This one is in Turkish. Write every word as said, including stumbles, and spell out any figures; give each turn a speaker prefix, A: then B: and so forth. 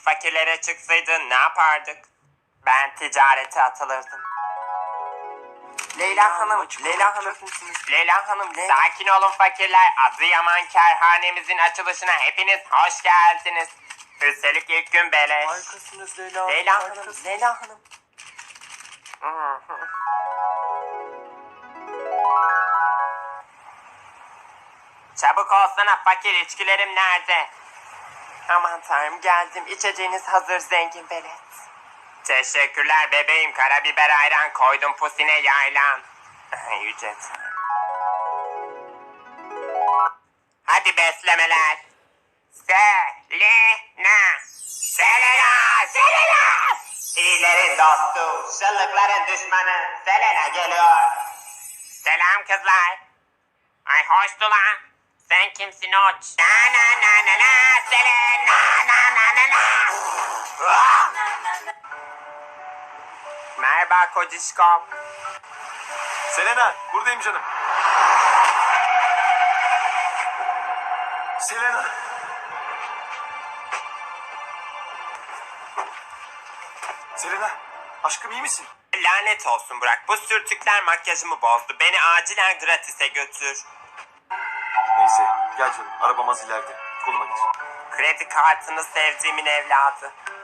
A: fakirlere çıksaydı ne yapardık? Ben ticarete atılırdım. Leyla Hanım, Leyla Hanım, Leyla Hanım, sakin olun fakirler. Adıyaman Kerhanemizin açılışına hepiniz hoş geldiniz. Üstelik ilk gün beleş.
B: Harikasınız Leyla.
A: Leyla Hanım,
B: harikasınız.
A: Leyla Hanım. Çabuk olsana fakir, içkilerim nerede? Aman tanrım, geldim. İçeceğiniz hazır zengin velet. Teşekkürler bebeğim. Karabiber ayran koydum pusine yaylan. Yüce Tanrım. Hadi beslemeler. Selena. Selena. Selena. İyilerin dostu, şıllıkların düşmanı Selena geliyor. Selam kızlar. Ay hoştu lan. Sen kimsin oç? Na na na na na Selena na na na na. Ah! Merhaba kocişkom.
B: Selena buradayım canım. Selena. Selena aşkım iyi misin?
A: Lanet olsun Burak. Bu sürtükler makyajımı bozdu. Beni acilen gratis'e götür.
B: Neyse gel canım arabam az ileride. Koluma gir.
A: Kredi kartını sevdiğimin evladı.